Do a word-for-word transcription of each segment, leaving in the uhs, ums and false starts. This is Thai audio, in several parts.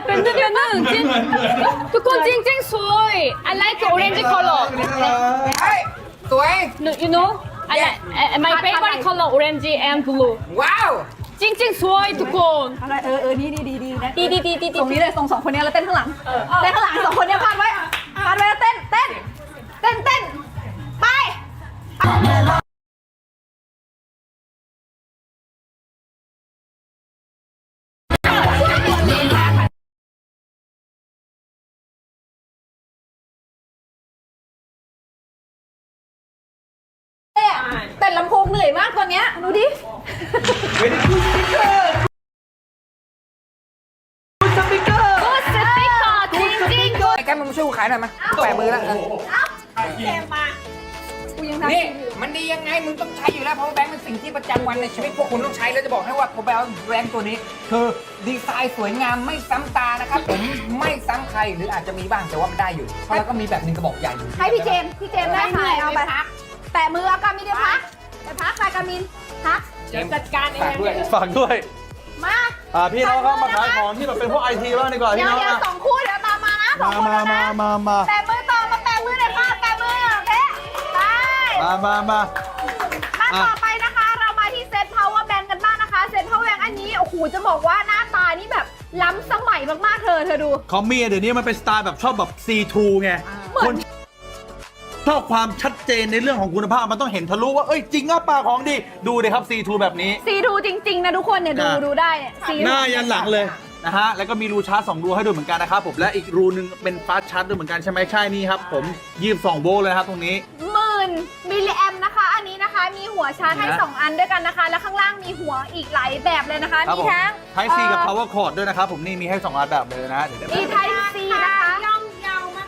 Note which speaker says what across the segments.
Speaker 1: 밴드면은 찐 두꺼 찡찡 소이 I like orange color
Speaker 2: เฮ้ยสวย
Speaker 1: no, you know I like my favorite color orange and blue
Speaker 2: ว้าว
Speaker 1: 찡찡 소이 두꺼
Speaker 3: อะไรเออเออนี่ดีดีดีนะ
Speaker 1: ดีดีดีดี
Speaker 3: ตรงนี้เลยส่งสองคนนี้แล้วเต้นข้างหลังเต้นข้างหลังสองคนนี้พาดไว้พาดไว้แล้วเต้นเต้นเต้นเต้นไปเต้นลำโพงเหนื่อยมากตอนเนี้ยดูดิ
Speaker 1: สติ๊กเกอร์찡찡
Speaker 2: ไอ้แกมึงมาช่วยกูขายหน่อยมาแปะมือแล้ว
Speaker 3: กูยังทำ
Speaker 2: นี่มันดียังไงมึงต้องใช้อยู่แล้วเพราะว่าแบงค์เป็นสิ่งที่ประจำวันในชีวิตพวกคุณต้องใช้แล้วจะบอกให้ว่าพอแบงค์แบงค์ตัวนี้คือดีไซน์สวยงามไม่ซ้ำตานะครับผมไม่ซ้ำใครหรืออาจจะมีบ้างแต่ว่ามันได้อยู่เพราะเราก็มีแบบหนึงกระบอกใหญ่อยู่
Speaker 3: ให้พี่เจมส์พี่เจมส์ได้ขายเอาไปแตะมือเอากามินได้พักไปพักไปกามินพัก
Speaker 2: เดี๋ยวจัดการเองด้วย
Speaker 4: ฝากด้วย
Speaker 3: มา
Speaker 4: อ่าพี่น้องครับมาขายของที่แบบเป็นพวกไอทีบ้างดีกว่า
Speaker 3: เดี๋
Speaker 4: พี่
Speaker 3: ยว
Speaker 4: น้อง
Speaker 3: เดี๋ยว
Speaker 4: นะ
Speaker 3: สองคู่เดี๋ยวตามมานะสอง
Speaker 4: มา
Speaker 3: คู่
Speaker 4: มา
Speaker 3: แล้ว
Speaker 4: มา
Speaker 3: นะ
Speaker 4: มามา
Speaker 3: แตะมือต่อมาแตะมือเลยค่ะแตะมือโอเคไป
Speaker 4: มามามา
Speaker 3: มาต่อไปนะคะเรามาที่เซต power bank กันบ้างนะคะเซต power bank อันนี้โอ้โหจะบอกว่าหน้าตานี่แบบล้ำสมัยมากๆเธอเธอดู
Speaker 4: ของมีเดี๋ยวนี้มันเป็นสไตล์แบบชอบแบบ ซี ทู ไง
Speaker 3: เหมือน
Speaker 4: คนชอบความชัดเจนในเรื่องของคุณภาพมันต้องเห็นทะลุว่าเอ้ยจริงอ่ะปลาของดีดูเลยครับ ซี ทู แบบนี้
Speaker 3: ซีดูจริงๆนะทุกคนเนี่ยดู
Speaker 4: อ่ะ
Speaker 3: ดูได้เนี่ยซี
Speaker 4: หน้ายันหลังเลยนะฮะแล้วก็มีรูชาร์จสองรูให้ด้วยเหมือนกันนะครับผมและอีกรูนึงเป็นฟาสต์ชาร์จด้วยเหมือนกันใช่ไหมใช่นี่ครับผมยี่สิบสองโวลต์เลยนะครับตรงนี้
Speaker 3: หมื่นมิลลิแอมนะคะ อันนี้นะคะมีหัวชาร์จให้
Speaker 4: นะ
Speaker 3: สองอันด้วยกันนะคะ แล้วข้างล่างมีหัวอีกหลายแบบเลยนะคะ
Speaker 4: ครับ
Speaker 3: มี
Speaker 4: ผม
Speaker 3: ทั้ง
Speaker 4: ไทซีกับ power cord ด้วยนะครับผมนี่มีให้สองอันแบบเลยนะเดี๋ยวเดี๋ยว
Speaker 3: มีไทซีนะคะ
Speaker 2: ย่อมเยาวมาก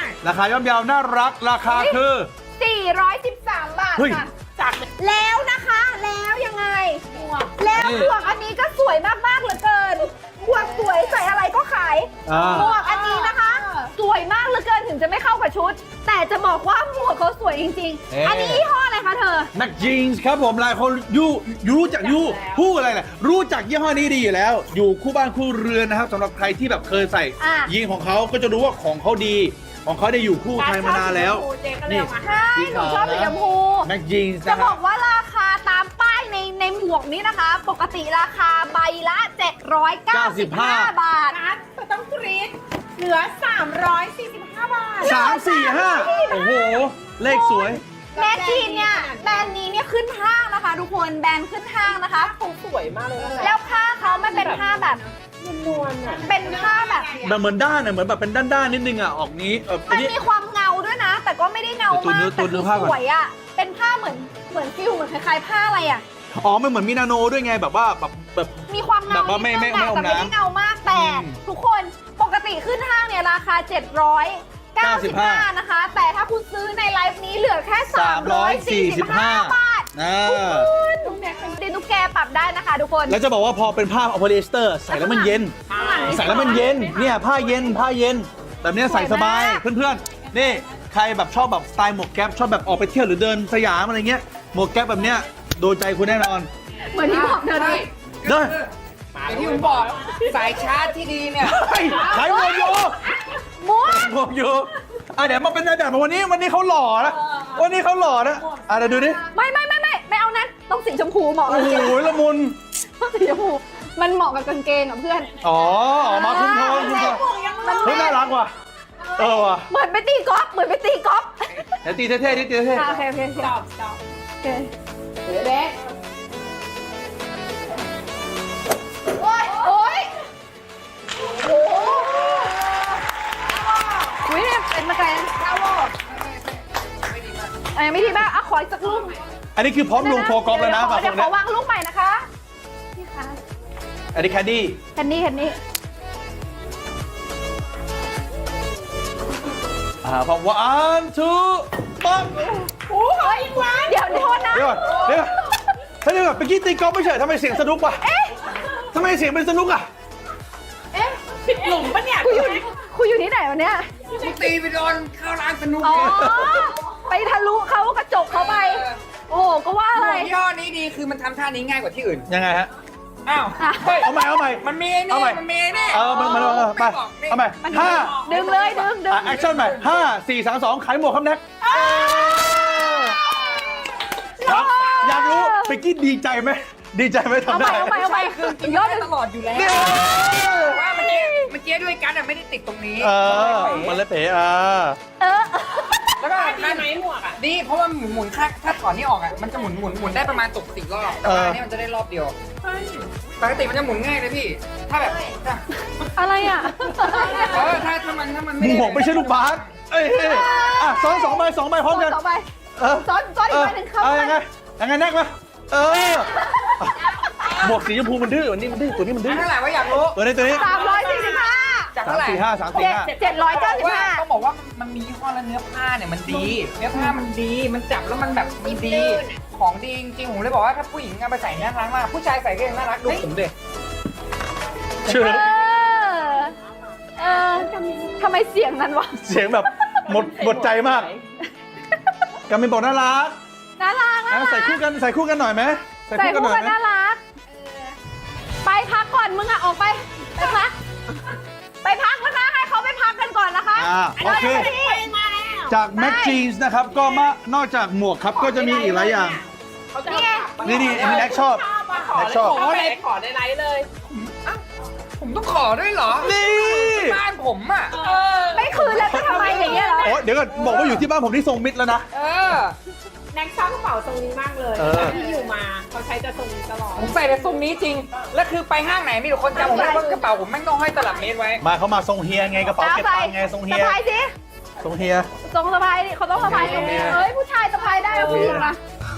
Speaker 4: ราคาย่อมเยาวน่ารักราคาคือ
Speaker 3: สี่ร้อยสิบสามบาท
Speaker 4: เฮ้ย
Speaker 3: ค่ะจากแล้วนะคะแล้วยังไง แล้ว
Speaker 4: นี่
Speaker 3: หมวกอันนี้ก็สวยมากๆเหลือเกินหมวกสวยใส่อะไรก็ขาย
Speaker 4: อ่า
Speaker 3: หมวกอันนี้นะคะ สวยมากเหลือเกินถึงจะไม่เข้ากับชุด แต่จะบอกว่าหมวกเขาสวยจริง
Speaker 4: เอ๊ะ
Speaker 3: ๆ อันนี้ยี่ห้ออะไรคะเธอ
Speaker 4: นักจีนส์ครับผมหลายคนยูยูรู้จักยูผู้อะไรแหละรู้จักยี่ห้อนี้ดีอยู่แล้ว อยู่คู่บ้านคู่เรือนนะครับสำหรับใครที่แบบเคยใส่
Speaker 3: อ่ะ
Speaker 4: ยีนของเขาก็จะรู้ว่าของเขาดี ของเขาได้อยู่คู่ไทยมานานแล้วนี่
Speaker 3: ใช่หนูชอบสีชมพู
Speaker 4: นักจีนส์
Speaker 3: จะ
Speaker 4: นะค
Speaker 3: บ
Speaker 4: รั
Speaker 3: อบ กว่าราคาตามป้ายในในหมวกนี้นะคะ ปกติราคาใบละเจ็ดร้อยเก้าสิบห้าบาท
Speaker 5: ต้องกรี๊ดเหลือ สามร้อยสี่สิบห้า บาท
Speaker 4: สามสี่ห้าโอ้โห เลขสวย
Speaker 3: แม่จีนเนี่ยแบรนด์นี้เนี่ยขึ้นห้างนะคะ ทุกคนแบรนด์ขึ้นห้างนะคะ
Speaker 5: เขาสวยมากเลยนะ
Speaker 3: แล้วผ้าเขาไม่เป็นผ้าแบบ
Speaker 5: นวลๆอ่ะ
Speaker 3: เป็นผ้าแบบ
Speaker 4: แต่เหมือนด้านน่ะเหมือนแบบเป็นด้านๆนิดนึงอ่ะออกนี้เอออั
Speaker 3: มัน น
Speaker 4: นี้
Speaker 3: มีความเงาด้วยนะ แต่ก็ไม่ได้เงามาก
Speaker 4: ตัว
Speaker 3: แต่
Speaker 4: เนื้อ
Speaker 3: คือ
Speaker 4: ผ้าก่อน
Speaker 3: สวยอ่ะเป็นผ้าเหมือนเหมือนฟิลเหมือนคล้ายๆผ้าอะไรอ่ะ
Speaker 4: อ๋อมันเหมือนมีนาโนด้วยไงแบบว่าแบบแบบ
Speaker 3: มีความเงา
Speaker 4: แบบว่าไม่
Speaker 3: นิดนึง
Speaker 4: ไม่
Speaker 3: อะ
Speaker 4: ไม่อม
Speaker 3: แต่ไม่ได้
Speaker 4: น้ำ
Speaker 3: เงามากแต่
Speaker 4: อืม
Speaker 3: ทุกคนปกติขึ้นห้างเนี่ยราคา เจ็ดร้อยเก้าสิบห้า นะคะ แต่ถ้าคุณซื้อในไลฟ์นี้เหลือแค่ สามร้อยสี่สิบห้า บาท
Speaker 4: อ่า
Speaker 3: ทุกดินทุกแกปรับได้นะคะทุกคน
Speaker 4: แล้วจะบอกว่าพอเป็นผ้าโพลีเอสเตอร์ใส่แล้วมันเย็น ใส่แล้วมันเย็นเนี่ยผ้าเย็นผ้าเย็น แบบเนี้ยใส่สบายเพื่อนๆนี่ใครแบบชอบแบบสไตล์หมวกแก๊ปชอบแบบออกไปเที่ยวหรือเดินสยามอะไรเงี้ยหมวกแก๊ปแบบเนี้ยโดนใจคุณแน่นอน
Speaker 3: เหมือนที่บอกเธอเลย
Speaker 4: เด้อ
Speaker 2: อย่างที่ผมบอกสายชาร์จที่ดีเนี่ย
Speaker 4: เฮ้ยขายหมวกอยู่
Speaker 3: ม้วน
Speaker 4: หมวกอยู่อ่ะเดี๋ยวมาเป็นนายแบบมาวันนี้วันนี้เขาหล่อนะวันนี้เขาหล่อนะอ่ะเดี๋ยวดูดิ
Speaker 3: ไม่ไม่ไม่ไม่ไม่เอานั้นต้องสีชมพูเหมาะกั
Speaker 4: โอ้
Speaker 3: บ
Speaker 4: โห
Speaker 3: กางเกง
Speaker 4: ละมุน
Speaker 3: ต้องสีชมพูมันเหมาะกับกางเกงอ่ะเพื่อน
Speaker 4: อ๋อออกมาคุ้มทองคุ้มทอง
Speaker 3: มัน
Speaker 4: เฮ้ยน่ารักว่ะเออว่ะ
Speaker 3: เหมือนไปตีกอล์ฟเหมือนไปตีกอล์ฟ
Speaker 4: เดี๋ยวตีเท่ๆดิตีเท่
Speaker 3: อ่ะโอเคโอเคโอเค
Speaker 5: ตอบตอบ
Speaker 3: โอเค
Speaker 5: เบ๊ะ
Speaker 3: โอ้ยโอ้ยโอ้โหอุ้ยเนี่ยเป็นมาไกลนะเอ้ยไม่ดีบ้างอ่ะขออีกสักลูก
Speaker 4: ๆอันนี้คือพร้อมลงโฟกอล์ฟแล้วนะ
Speaker 3: เดี๋
Speaker 4: ฝาก
Speaker 3: ยว
Speaker 4: ค
Speaker 3: เดี๋ย
Speaker 4: น
Speaker 3: วข
Speaker 4: นะ
Speaker 3: อวางลูกใหม่นะคะพี่คะ
Speaker 4: อันนี้แคดดี้
Speaker 3: แคนดี้แคนดี้
Speaker 4: อ่าพร้อมวันทูปั๊บ
Speaker 3: โอ้ยเดี๋ยวโทษนะ
Speaker 4: เดี๋ยวก่อนเดี๋ยวก่อนเฮ้ยเดี๋ยวก่อนเมื่อกี้ตีกอล์ฟไม่ใช่ทำไมเสียงสนุกวะทำไมเสียงเป็นสนุกอ่ะ
Speaker 5: ผิดหลุมปะเนี่ย
Speaker 3: คุยอยู่คุยอยู่ที่ไหนวะเนี่ย
Speaker 2: กูตีไปโดนเข้าร้านสนุก
Speaker 3: อ๋อ ไปทะลุเขากระจกเขาไป โอ้โหก็ว่าอะไร
Speaker 2: หมวกยี่ห้อนี้ดีคือมันทำท่านี้ง่ายกว่าที่อื่น
Speaker 4: ยังไงฮะ
Speaker 2: อ้าวเฮ้ย
Speaker 4: เอาใหม่เอาใหม่
Speaker 2: มันมีไอ้นี่
Speaker 4: เอาใหม่
Speaker 2: มันมีไอ้นี่
Speaker 4: เออมันมันมันไป
Speaker 2: บอกนี่
Speaker 4: เอาใหม่ห้า
Speaker 3: ดึงเลยดึงดึง
Speaker 4: แอคชั่นใหม่ห้าสี่สามสองขายหมวกครับแน็กครับอยากรู้ไปกี้ดีใจไหมดีใจไหม
Speaker 3: เอา
Speaker 4: ทำ
Speaker 3: ให
Speaker 4: ได้
Speaker 3: ม่เอาใหม่เอาใหม่
Speaker 2: คือกิน
Speaker 3: ยอ
Speaker 2: ได้
Speaker 3: ด
Speaker 2: ตลอดอยู่แล้ว
Speaker 4: เนี่ย
Speaker 2: ว่าเมื่อกี้เมื่อกี้ด้วยกันอะไม่ได้ติดตรงนี้
Speaker 4: เออมันเลยเป๋อ่ะ
Speaker 3: เออ
Speaker 2: แล้วก็
Speaker 5: ดีไหมหมวกอ่ะ
Speaker 2: ดีเพราะว่าหมุนหมุนถ้าถ้าถอนนี่ออกอ่ะมันจะหมุนหมุนหมุนได้ประมาณตกสี่รอบแต่ว่าอันนี้มันจะได้รอบเดียวปกติมันจะหมุนง่ายเลยพี่ ถ้าแบบถ้า
Speaker 3: อะไรอ่ะ
Speaker 2: เออถ้าถ้ามันถ้ามัน
Speaker 4: ห
Speaker 2: ไม่
Speaker 4: มวกไม่ใช่ลูกบาสเอ้ยอ่ะซ้อนสองใบสองใบพร้อมกัน
Speaker 3: ต่อไป
Speaker 4: เออ
Speaker 3: ซ้อนซ้อนอีกใบหนึ่งเข้า
Speaker 4: เออ
Speaker 3: ไป
Speaker 4: ยังไงยังไงแน็กมาเออหมวกสีชมพูมันดื้อวันนี้มันดื้อตัวนี้มันดื้อ
Speaker 2: เท่าไหร่วะอยากรู้
Speaker 4: ตัวนี้ตัวนี้
Speaker 3: สามร้อยสี่สิบห้า
Speaker 2: จาก
Speaker 4: สาม
Speaker 2: เท่าไหร่
Speaker 4: สี่ห้าสามสี่
Speaker 3: เจ็ด
Speaker 4: ห้า
Speaker 3: เจ็ดร้อยเก้าสิบ
Speaker 2: ว่า
Speaker 3: ห้า
Speaker 2: ต้องบอกว่ามันมียี่ห้อและเนื้อผ้าเนี่ยมันดี เนื้อผ้ามันดีมันจับแล้วมันแบบมันดีของดีจริงๆผมเลยบอกว่าถ้าผู้หญิงเอาไปใส่น่ารักมากผู้ชายใส่ก็ยังน่ารักดูผมดิ
Speaker 4: เชื่อ
Speaker 3: เออเออทำไมเสียงนั้นวะ
Speaker 4: เสียงแบบหมดหมดใจมากกำมินบอกน่ารัก
Speaker 3: น่ารักน่า
Speaker 4: อ่ะ
Speaker 3: รัก
Speaker 4: ใส่คู่กันใส่คู่กันหน่อยไหม
Speaker 3: ใส่คู่
Speaker 4: หน่
Speaker 3: กั
Speaker 4: อย
Speaker 3: น
Speaker 4: ไหม
Speaker 3: น่ารัก ไปพักก่อนมึงอะออกไป ไปพัก ไปพักนะคะให้เขาไปพักกันก่อนนะคะ
Speaker 4: อ่าโอเค จากแม็กจีนส์นะครับก็มานอกจากหมวกครับก็จะมีอีกหลายอย่าง
Speaker 5: เขาจะ
Speaker 3: นี่ไง
Speaker 4: นี่นี่อันนี้แน็กชอบ
Speaker 5: ขอ
Speaker 4: แน็ก
Speaker 5: เลย
Speaker 4: ชอบ
Speaker 5: ขอเลยขอในไลฟ์เลย
Speaker 2: ผมต้องขอด้วยเหรอ
Speaker 4: นี่
Speaker 2: บ้านผมอ่ะ
Speaker 5: เออ
Speaker 3: ไม่คืนแล้วจะทำไมอย่างเงี้ยเหรอ
Speaker 4: โอ้เดี๋ยวก่อนบอกว่าอยู่ที่บ้านผมที่ทรงมิดแล้วนะ
Speaker 2: เออ
Speaker 5: แน็กชอบกระเป๋าทรงนี้มากเลย
Speaker 4: เออ
Speaker 5: ที่อยู่มาเขาใช้จะทรงนี้ตลอด
Speaker 2: ผมใส่แต่ทรงนี้จริง แล้วคือไปห้างไหนมีแต่คนจำผมได้ว่ากระเป๋าผมแม่งต้องห้อยตลับเมตรไว้
Speaker 4: มาเขามาทรงเฮียไงกระเป๋า
Speaker 3: เอา
Speaker 4: เก็บ
Speaker 3: ใส่
Speaker 4: ตังค์ไงทรงเฮี
Speaker 3: สะ
Speaker 4: ย
Speaker 3: พายสิ
Speaker 4: ทรงเฮีย
Speaker 3: ทรงสะพายดิเขาต้องสะพายตรงนี้เฮ้ยผู้ชายสะพายได้แล้วผู้หญิงล่ะ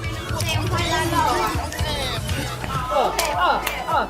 Speaker 5: เออ เออ เออ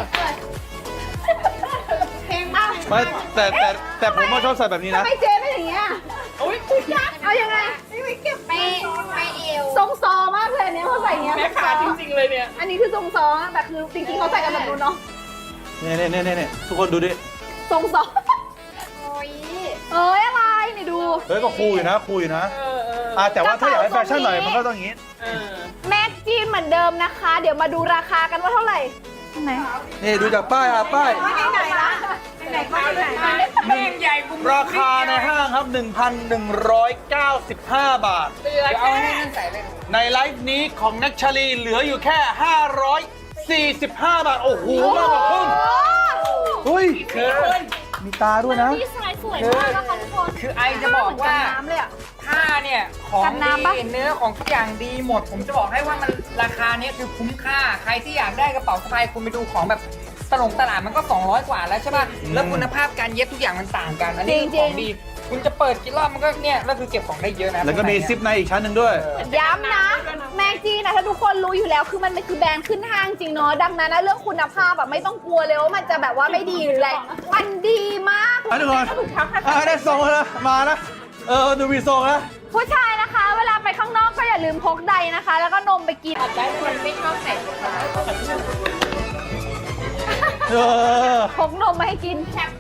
Speaker 4: ไม่แต่แต่แต่ผมว่าชอบใส่แบบนี้
Speaker 3: ทำ
Speaker 4: นะ
Speaker 3: ไมเจ๊ไม่อย่างเงี้ย
Speaker 5: อุ้ย
Speaker 3: เอายังไง
Speaker 5: ไปไปเอว
Speaker 3: ทรงซอมากเลยอันเนี้ยเขาใส่อย่างเงี้ย
Speaker 5: แม่ขาจริงๆเลยเนี่ย
Speaker 3: อันนี้คือทรงซอแต่คือจริงๆเขาใส่กันแบบนู้นเนาะ
Speaker 4: เนี่ยเนี่ยเนี่ยเนี่ยทุกคนดูดิ
Speaker 3: ทรงซอเอ้ยอะไรนี่ดู
Speaker 4: เฮ้ยก็คูลอยู่นะคูลอยู่นะ
Speaker 5: เออเออ
Speaker 4: อ่ะแต่ว่าถ้าอยากให้แฟชั่นหน่อยมันก็ต้องอย่างนี้
Speaker 5: เออ
Speaker 3: แม็กจีนเหมือนเดิมนะคะ เดี๋ยวมาดูราคากันว่าเท่าไหร่ไหน
Speaker 4: นี่ดูจากป้ายอ่ะป้าย
Speaker 3: ไหนละไหนก็ไหน
Speaker 2: แม่งใหญ่บุ้ม
Speaker 4: ราคาในห้างครับ หนึ่งพันหนึ่งร้อยเก้าสิบห้า บาท
Speaker 5: เหลือ
Speaker 2: เดี๋ยวเอา
Speaker 5: แค่
Speaker 2: ให้นั่นใส่เลย
Speaker 4: ในไลฟ์นี้ของนักชาลีเหลืออยู่แค่ ห้าร้อยสี่สิบห้า บาท โอ้โหมากกว่าครึ่งเฮ้ย
Speaker 2: คือ
Speaker 4: มีตาด้วยนะ
Speaker 1: ดีไซน์สวยมากนะคะทุกคน
Speaker 2: คือไอจะบอกว่า
Speaker 3: น้ำเลยอ่ะ
Speaker 2: ผ้าเนี่ยของ
Speaker 3: กันน้ำปะ
Speaker 2: ดีเนื้อของทุกอย่างดีหมด ผมจะบอกให้ว่ามันราคาเนี้ยคือคุ้มค่า ใครที่อยากได้กระเป๋าสะพายคุณไปดูของแบบตลงตลาดมันก็ สองร้อย กว่าแล้วใช่ป่ะ แล้วคุณภาพการเย็บทุกอย่างมันต่างกัน อันนี้คือของดี คุณจะเปิดกี่รอบมันก็เนี่ยแล้วคือเก็บของได้เยอะนะ
Speaker 4: แล้วก็มีซิปในอีกชั้นหนึ่งด้วย
Speaker 3: ย้ำนะ แม็กจีนนะถ้าทุกคนรู้อยู่แล้วคือมันคือแบรนด์ขึ้นห้างจริงเนาะดังนั้นนะเรื่องคุณภาพแบบไม่ต้องกลัวเลยว่ามันจะแบบว่าไม่ดีหรืออะไรมันดีมาก
Speaker 4: อ่ะทุกคนอ่ะได้ทรงแล้วนะมานะ เออ ดูมีทรงนะ
Speaker 3: ผู้ชายนะคะ เวลาไปข้างนอกก็อย่าลืมพกใดนะคะ แล้วก็นมไปกิน
Speaker 5: ได้คนไม่ชอบใส่
Speaker 4: เออ
Speaker 3: พกนมมาให้กิน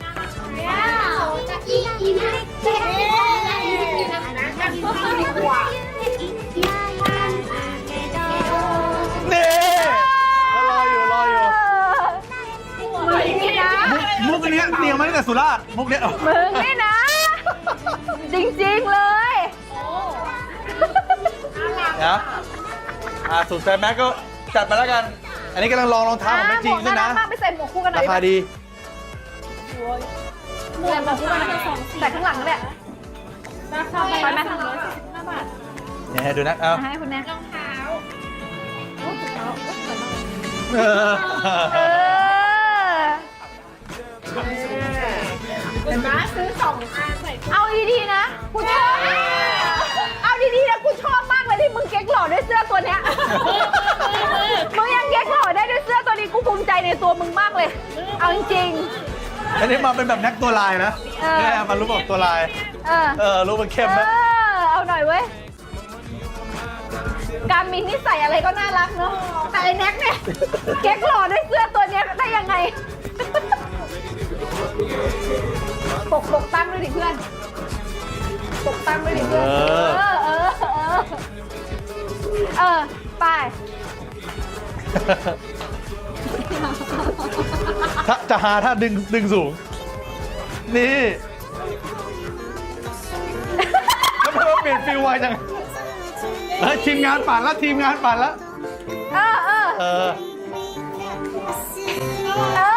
Speaker 4: นี่รออยู่รออยู่
Speaker 3: มึงนี่นะ
Speaker 4: มุกมุกอันเนี้ยเตรียมมาตั้งแต่สุราษฎร์มุกเนี้ย
Speaker 3: มึงนี่นะ จริงๆเลย
Speaker 4: นะอ่าสูตรแฟร์แม็กก็จัดมาแล้วกัน อันนี้กำลังลองรองเท้าของแม็กจริงด้วยนะ
Speaker 3: มากไปใส่หมวกคู่กันหน่
Speaker 4: รา
Speaker 3: อย
Speaker 4: คาดี
Speaker 3: ใส่หมวกคู่กันหน่อยใส่ข้างหลังนั่นแหละ
Speaker 5: ราคา
Speaker 3: ไปไหม
Speaker 4: เนี่ยให้ดูนะเอา
Speaker 3: ให้คุณแน่
Speaker 5: รองเท้า
Speaker 4: เออ
Speaker 3: เออ
Speaker 5: เห็นไหมซื้อสองอันใส่
Speaker 3: เอาดีๆนะกูชอบเอาดีๆนะกูชอบมากเลยที่มึงเก๊กหล่อด้วยเสื้อตัวเนี้ยมึงยังเก๊กหล่อได้ด้วยเสื้อตัวนี้กูภูมิใจในตัวมึงมากเลย เอาจริง
Speaker 4: อันนี้มาเป็นแบบแน็กตัวลายนะ
Speaker 3: เออ
Speaker 4: เนี่ยมันรู้แบบตัวลาย
Speaker 3: ๆเออ
Speaker 4: เออ รู้มันเข้ม
Speaker 3: เอ
Speaker 4: นะ
Speaker 3: อเอาหน่อยเว้ยการมินนี่ใส่อะไรก็น่ารักเนาะแต่ไอ้แน็กเนี่ยเก๊กหล่อด้วยเสื้อตัวเนี้ยได้ยังไงปกปกตั้งด้วยดิเพื่อนปกตั้งด้วยดิเพื่อน
Speaker 4: เอ
Speaker 3: เอ
Speaker 4: อ
Speaker 3: อเออเออเออไป
Speaker 4: ถ้าจะหาถ้าดึงดึงสูง นี่แล้วมันเปลี่ยนฟิลไวจังเฮ้ยทีมงานปั่นแล้วทีมงานปั่นแล้ว
Speaker 3: เออเออ
Speaker 4: เออ
Speaker 3: เออ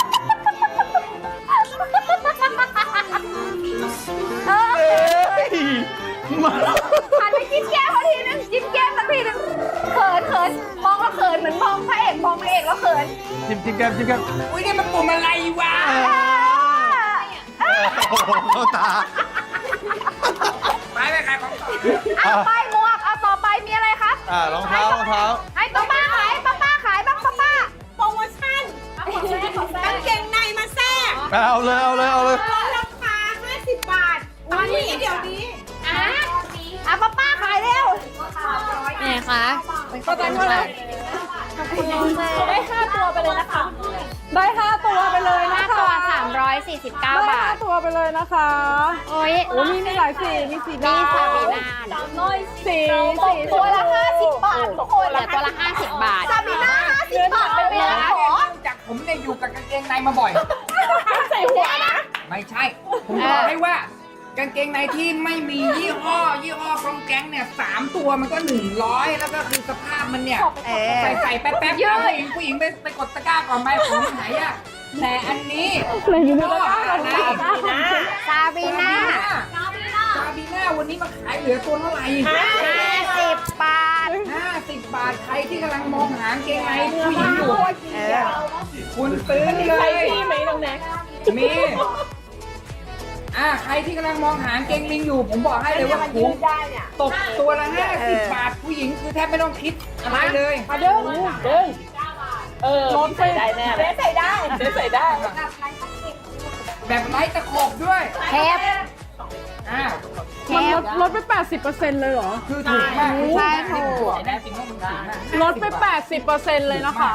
Speaker 3: เออ
Speaker 4: เอ้ยมา
Speaker 3: หันไปจิ้มแก้มเขาทีนึงจิ้มแก้มสักทีนึงเขินเขินมองแล้วเขินเหมือนมองพระเอกมองพระเอกแล้วเขิน
Speaker 4: จิ้มจิ้มแก้มจิ้มแก้ม
Speaker 2: อุ้ยนี่มันปุ่มอะไรวะ
Speaker 4: โอ้โหเข้าตา
Speaker 2: ไปไปขายของต่อ
Speaker 3: อ่ะไปหมวกเอาต่อไปมีอะไรครับ
Speaker 4: อ่ารองเท้ารองเท้า
Speaker 3: ให้ป้าป้าขายป้าป้าขายบ้างป้าป้า
Speaker 5: โปรโมชั่นกางเกงในมาแทรก
Speaker 4: เอาเลยเอาเลยเอาเลย
Speaker 5: ลดราคาห้าสิบบาท ตอนนี้เดี๋ยวนี้
Speaker 3: อ่ะอ่ะป้าป้าขายเร็ว
Speaker 1: ไหนคะ
Speaker 3: ก็ตอนเท่าไหร่ได้ห้าตัวไปเลยนะคะได้ห้าตัวไปเลย
Speaker 1: ห้า
Speaker 3: นะคะ
Speaker 1: ตัวสามร้อยสี่สิบเก้า
Speaker 3: ได้
Speaker 1: บา
Speaker 3: ห้า
Speaker 1: ท
Speaker 3: ตัวไปเลยนะคะ
Speaker 1: โอ้ย
Speaker 3: โอ้มีมีหลายสีมีสี
Speaker 1: นี่
Speaker 3: ดำ
Speaker 1: ซาบีนา
Speaker 3: สีสีตัวละห้าสิบบาททุกคน
Speaker 1: เหลือตัวละห้าสิบบาท
Speaker 3: ซาบีน่าห้าสิบบาทไปเลยนะ
Speaker 2: เนื่องจากผมเนี่ยอยู่กับกางเกงในมาบ่อย
Speaker 3: ใส่หัวนะ
Speaker 2: ไม่ใช่ ผมบอกให้ว่ากางเกงในที่ไม่มียี่ห้อ ยี่ห้อกองแก๊งเนี่ยสามตัวมันก็หนึ่งร้อยแล้วก็คือสภาพมันเนี่ย ใส่ใส่แป๊บๆผู้หญิงผู้หญิงไปไปกดตะกร้าก่อนไหมผมหายอ่ะแต่อันนี้ก็อะไร
Speaker 1: ซาบีนา
Speaker 2: ซาบีน่าวันนี้มาขายเหลือตัวเท่าไหร่
Speaker 1: ห้าสิบบาท
Speaker 2: ห้าสิบบาทใครที่กำลังมองหากางเกงในผู้หญิงอยู่คุณซื้อเลยมีอ่าใครที่กำลังมองหากางเกงลิงอยู่ ผมบอกให้เลยว่าคุ้มตกตัวละห้าสิบบาทผู้หญิงคือแทบไม่ต้องคิดอะไรเลย
Speaker 3: มาเด้งเด้งเออรถใส่ได้แน่เลยใส่ได้ใส่ได้
Speaker 2: แบบไร้ตะขบด้วย
Speaker 1: เทป
Speaker 2: อ้าว
Speaker 3: มันลดลดไป แปดสิบเปอร์เซ็นต์ เลยเหรอ
Speaker 2: คือถูกมาก
Speaker 1: ใช่ถูก
Speaker 2: แน่จริงว่ามันถูกมาก
Speaker 3: ลดไป แปดสิบเปอร์เซ็นต์ เลยนะคะ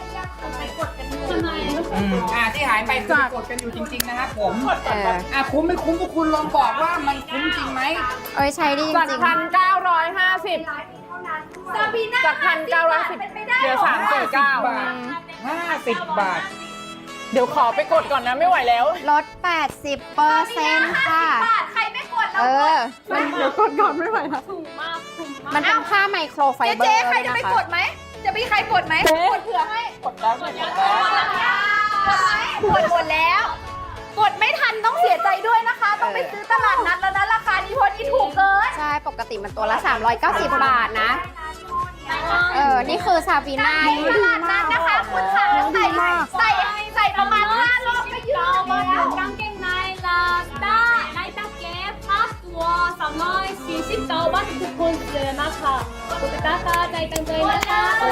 Speaker 2: อืมอ่าที่หายไปคือกดกันอยู่จริงๆนะครับผม
Speaker 1: เออ
Speaker 2: อ่ะคุ้มไม่คุ้มพวกคุณลองบอกว่ามันคุ้มจริงไหม
Speaker 1: เอ้ยใช้ดีจ
Speaker 3: จาก
Speaker 1: ริง
Speaker 3: พันเก้าร้อยห้าสิบจากพันเก้าร้อยสิบเหลือสามสิบเก้า
Speaker 2: บาทห้าสิบบาท
Speaker 3: เดี๋ยวขอไปกดก่อนนะไม่ไหวแล้ว
Speaker 1: ๆลดแปดสิบเปอร์เซ็นต์ค่ะ
Speaker 3: ใครไม่กด
Speaker 1: เออ
Speaker 3: มันเดี๋ยวกดก่อนไม่ไหวแล้ว
Speaker 1: มันเป็นผ้าไมโครไฟเบอร์
Speaker 3: เจ๊ใคร
Speaker 1: ด้วย
Speaker 3: จะ
Speaker 1: นะ
Speaker 3: ไป
Speaker 1: คะ
Speaker 3: กดไหม จะมีใครกดไหมกดเผื่อให้ กดแล้วกดแล้วกดหมดแล้ว กดไม่ทันต้องเสียใจด้วยนะคะ ต้องไปซื้อตลาดนัดแล้วนะราคานี้เพราะนี่ถูกเกิน
Speaker 1: ใช่ ปกติมันตัวละ สามร้อยเก้าสิบบาทนะ เออ นี่คือซาบีนา
Speaker 3: ตลาดนัดนะคะคุณค่ะใส่ใส่ใส่ประมาณห้ารอบก็ยืดแล้ว
Speaker 6: กางเกงในลาด้าไนตาเก็บผ้าตัวสามร้อยสี่สิบเก้าบาททุกคนเลยนะคะกดตะกร้าใจตั้งใจนะคะ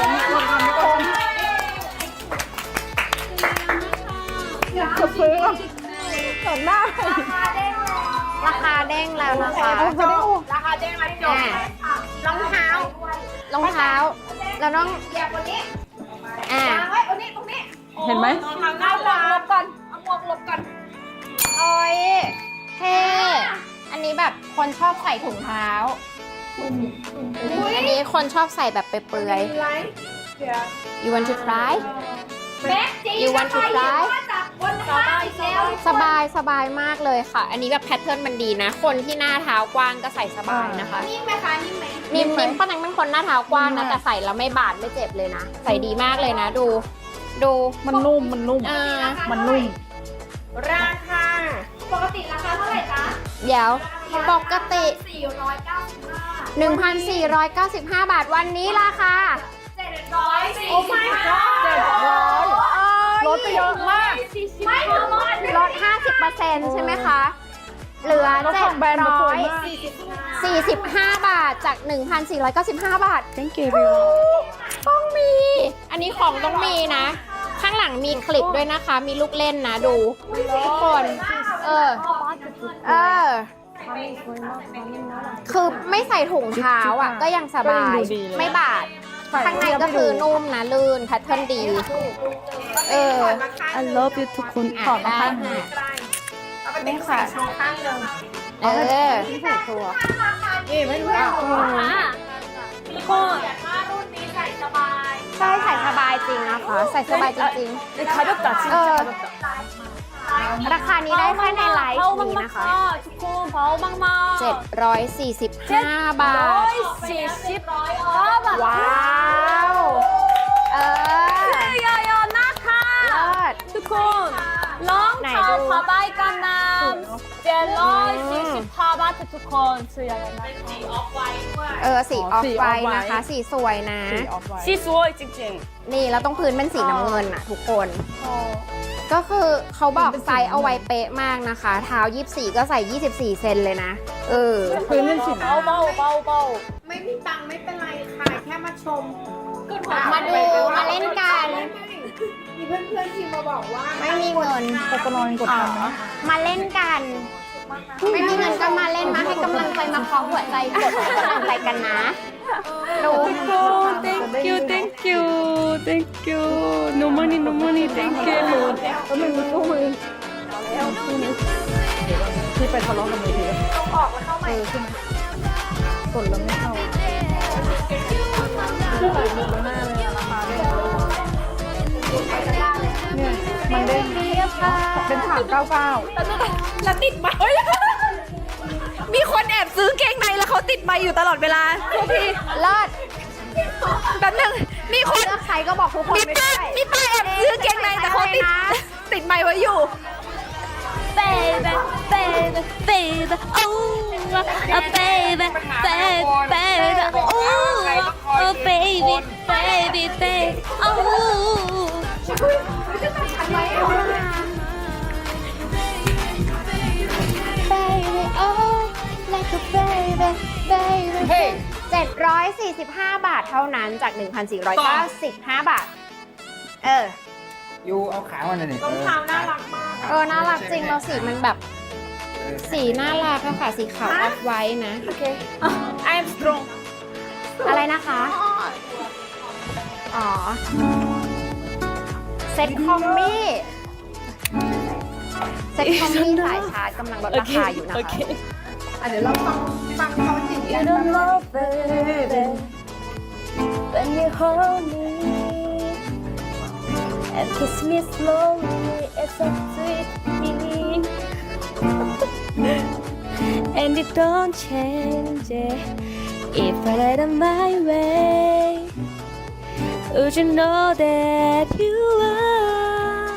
Speaker 3: กดซื้อก่อนหน้า
Speaker 1: ราคาเด้งแล้วนะคะ
Speaker 3: ราคาเด้งมาที่จบ
Speaker 1: อ่าร
Speaker 3: องเท้าร
Speaker 1: องเท้า แล้วน้อง
Speaker 3: เหยียบวันนี้
Speaker 1: อ่า
Speaker 3: วางไว้ตรงนี้ตรงนี้
Speaker 5: เห็นไหม
Speaker 3: เอาหมวกหลบก่อนเอาหมวกหลบก่อน
Speaker 1: โอ้ยเท่อันนี้แบบคนชอบใส่ถุงเท้า อันนี้คนชอบใส่แบบเปลือยๆ you want to try
Speaker 3: แม็กจี
Speaker 1: You want to try?
Speaker 3: จากบนห้างอีกแล้ว
Speaker 1: สบายสบายมากเลยค่ะ อันนี้แบบแพทเทิร์นมันดีนะ คนที่หน้าเท้ากว้างก็ใส่สบายนะคะ
Speaker 3: นิ่มไหมคะนิ่มไหม
Speaker 1: นิ่มนิ่มป้านังเป็นคนหน้าเท้ากว้างนะ แต่ใส่แล้วไม่บาดไม่เจ็บเลยนะ ใส่ดีมากเลยนะ ดู ดู
Speaker 3: มันนุ่มมันนุ่ม
Speaker 1: เออ
Speaker 3: มันนุ่ม
Speaker 5: ราคา
Speaker 3: ปกติราคาเท่าไหร่จ๊ะ
Speaker 1: เดี๋ยวปกติ
Speaker 3: สี่ร้อยเก้าสิบห้า
Speaker 1: หนึ่งพันสี่ร้อยเก้าสิบห้า บาทวันนี้ราคา
Speaker 3: เจ็ดร้อยสี่
Speaker 5: โอ้ my god
Speaker 3: เจ็ดร้อยลดไปเยอะมาก ไม่ถึงลด
Speaker 1: ลด ห้าสิบเปอร์เซ็นต์ ใช่ไหมคะ เหลือ
Speaker 3: ลด
Speaker 1: เจ็
Speaker 3: ข
Speaker 1: ด
Speaker 3: องแบรนด์มาส
Speaker 1: ร้
Speaker 3: ว
Speaker 1: อย ย
Speaker 3: มาก
Speaker 1: สี่สิบห้า บาทจาก หนึ่งพันสี่ร้อยเก้าสิบห้า บาท thank you ต้องมี อันนี้ของต้องมีนะ ข้างหลังมีคลิปด้วยนะคะ มีลูกเล่นนะดูทุกคน เออ เออ คือไม่ใส่ถุงเท้าอ่ะ ก็ยังสบาย ไม่บาด ข้างในก็คือนุ่มนะลื่นแพทเทิร์นดี เออ
Speaker 3: I love you ทุกคน
Speaker 1: ขอบคุณค่ะ
Speaker 5: ไม่ค่ะโชว์ข้างหนึ่ง
Speaker 1: เออ
Speaker 5: นี่ไม่รู้อ่ะ
Speaker 6: ทุกคน
Speaker 3: ถ้ารุ่นนี้ใส่สบาย
Speaker 1: ใช่ใส่สบายจริงนะคะ ใส่สบายจริง
Speaker 3: 네, 가볍다. 진짜
Speaker 1: 어.
Speaker 3: 가볍다.
Speaker 1: ๆ ราคานี้ได้แค่ในไลฟ์นี้นะคะ
Speaker 6: ทุกคนเบามากๆ
Speaker 1: เจ็ดร้อยสี่สิบห้า บาท
Speaker 3: 칠십.
Speaker 1: ว้าว เออ
Speaker 3: 야야 나카.
Speaker 1: เลิศ
Speaker 3: ทุกคนลอง
Speaker 1: ไหน
Speaker 3: เท้า
Speaker 1: ดู
Speaker 3: ผ้าใบกันน้ำเจ็ดร้อยสี่สิบห้าบาททุกคนซื้อยังไงนะ
Speaker 1: เออ สีออฟไวท์นะคะ สีสวยนะ
Speaker 3: สีสวยจริง
Speaker 1: นี่แล้วต้องพื้นเป็นสีน้ำเงินอะทุกคน ก็คือเขาบอกไซส์เอาไว้เป๊ะมากนะคะ เท้ายี่สิบสี่ก็ใส่ยี่สิบสี่เซนเลยนะ เออ
Speaker 3: ๆพื้นเป็นสีเบาเบาเบาเบา
Speaker 5: ไม่มีตังค์ไม่เป็นไรค่ะ แค่มาชม
Speaker 1: มาดูมาเล่นกัน
Speaker 5: มีเพื่อนๆที่มาบอกว่า
Speaker 1: ไม่มีเงิน
Speaker 3: ตะกนอนกดทันไหม
Speaker 1: มาเล่นกัน ไม่มีเงินก็มาเล่นมาให้กำลังใจมาเคาะหัวใจกดให้กำลังใจกันนะดู
Speaker 3: thank you thank you thank you no money no money thank you แล้วมึงมีตู้มือที่ไปทะเลาะกับมือถือต้องออกแล้วเข้าใหม่ใช่ไหมกดแล้วไม่เข้าเนี่ยมันเด้งเป็นถามเก้าเก้า
Speaker 5: แล้วติดไหมมีคนแอบซื้อเกงในแล้วเขาติดไมค์อยู่ตลอดเวลาทุกที
Speaker 1: เลิศ
Speaker 5: แป๊บนึงมีคน
Speaker 1: เลือกใครก็บอกทุกคน
Speaker 5: มี
Speaker 1: ไม่
Speaker 5: ป้า
Speaker 1: ได้
Speaker 5: มีป้าแอบซื้อเกงในแต่เขาติดติดไมค์ไว้อยู่
Speaker 3: baby baby baby oh oh baby baby baby oh oh baby baby baby oh
Speaker 1: baby oh like a baby baby
Speaker 2: เฮ้ย
Speaker 1: เจ็ดร้อยสี่สิบห้า บาทเท่านั้นจาก หนึ่งพันสี่ร้อยเก้าสิบห้า บาท เออ
Speaker 2: ยูเอาขามันหน่อย
Speaker 5: รองเท้าน่ารักมาก
Speaker 1: เออ น่ารักจริงเราสีมันแบบ สีน่ารักอะค่ะ สีขาวออฟไว้นะ
Speaker 3: โอเค I'm strong
Speaker 1: อะไรนะคะ อ๋อ เซ็ตคอมมี่ เซ็ตคอมมี่สายชาร์จกำลังลดราคาอยู่นะคะ
Speaker 5: อ่ะเดี๋ยวเราฟังฟังเขาจริง
Speaker 3: You don't love baby when you hold me and kiss me slowly it's a sweet feeling and it don't change it if I let it my way would you know that you are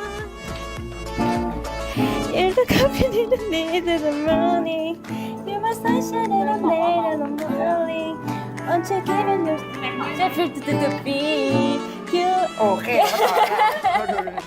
Speaker 3: you're the company that needs in the morning you're my sunshine and I'm late in the morning aren't you giving yourself to the beat you
Speaker 2: โอเคมาต่อแล้ว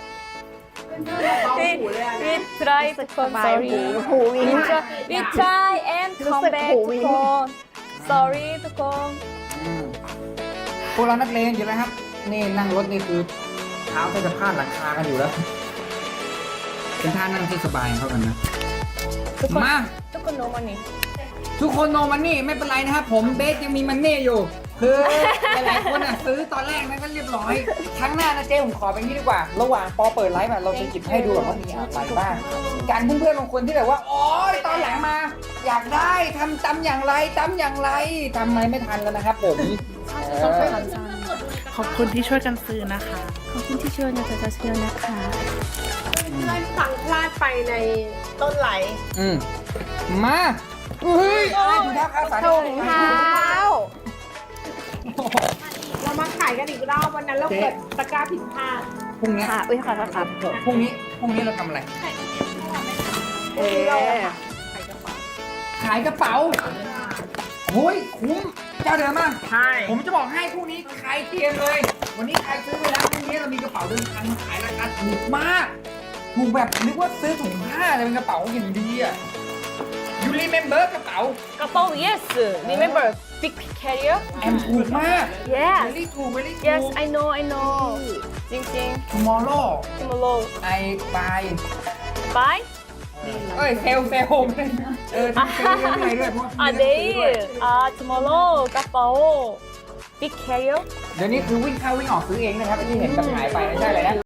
Speaker 2: ดูดู
Speaker 3: we, we try to come sorry
Speaker 1: หูวิง
Speaker 3: we try, we try and
Speaker 1: รู้
Speaker 3: come
Speaker 1: สึก
Speaker 3: back
Speaker 1: หู
Speaker 3: ทุ
Speaker 1: วิ
Speaker 3: ก
Speaker 1: ง
Speaker 3: คน sorry ทุกคน
Speaker 2: อืมพวกเรานักเลงอยู่แล้วครับ นี่นั่งรถนี่คือเท้าก็จะพาดหลังคากันอยู่แล้ว เป็นท่านั่งที่สบายเข้ากันนะ
Speaker 3: ทุกคน
Speaker 2: มา
Speaker 3: ทุกคน no money
Speaker 2: ทุกคนโนมันนี่ไม่เป็นไรนะครับผมเบสยังมีมันนี่อยู่ คือหลายๆคนอ่ะซื้อตอนแรกนั้นก็เรียบร้อย ครั้งหน้านะเจ๊ผมขอเป็นที่ดีกว่า ระหว่างปอเปิดไลฟ์แบบเราจะหยิบให้ดูว่ามีอะไรบ้างการเพื่อนๆบางคนที่แบบว่าโอ๊ยตอนหลังมา อยากได้ทำตำอย่างไรตำอย่างไรทำอะไรไม่ทันแล้วนะครับผมเออ
Speaker 5: ขอบคุณที่ช่วยกันซื้อนะคะ
Speaker 3: ขอบคุณที่ช่วยนะจ๊ะเชียวนะคะ
Speaker 5: เพื่อนฟังพลาดไปในต้นไหล
Speaker 2: อืมมาเฮ้ยอะไรถุงเท้าขาวสาร
Speaker 1: ถุงเท้า
Speaker 5: เรามาขายกันอีกรอบวันนั้นเราเกิดตะกร้าผิดพลาด
Speaker 2: พรุ่งนี้
Speaker 1: ค่ะ อุ้ยขอโทษครับ
Speaker 2: พรุ่งนี้พรุ่งนี้เราทำอะไร
Speaker 1: เออ
Speaker 2: ขายกระเป๋าโอ้ยคุ้มเจ้าเดิมมาก
Speaker 5: ใช่
Speaker 2: ผมจะบอกให้พรุ่งนี้ใครเตรียมเลย วันนี้ใครซื้อไปแล้วพรุ่งนี้เรามีกระเป๋าเดินทางมาขายราคาถูกมาก ถูกแบบนึกว่าซื้อถุงผ้าแต่เป็นกระเป๋าอย่างดีอ่ะยูรีเมมเบอร์กระเป๋าก
Speaker 3: ระเป๋า yes remember big carrier
Speaker 2: แอมถูกมาก
Speaker 3: yes
Speaker 2: เวลี่ถูกเวลี่ถู
Speaker 3: yes
Speaker 2: ก
Speaker 3: I know I know จริงจริง
Speaker 2: tomorrow
Speaker 3: tomorrow
Speaker 2: I buy
Speaker 3: bye
Speaker 2: เอ้ยเซลเซลเออทำเซลเรื่องอะไรด้วยเพราะว่า
Speaker 3: อ่ะ 내일 아 tomorrow กระเป๋า big carrier
Speaker 2: เดี๋ยวนี้คือวิ่งเข้าวิ่งออกซื้อเองนะครับที่เห็นแบบหายไปไม่ใช่เลยนะ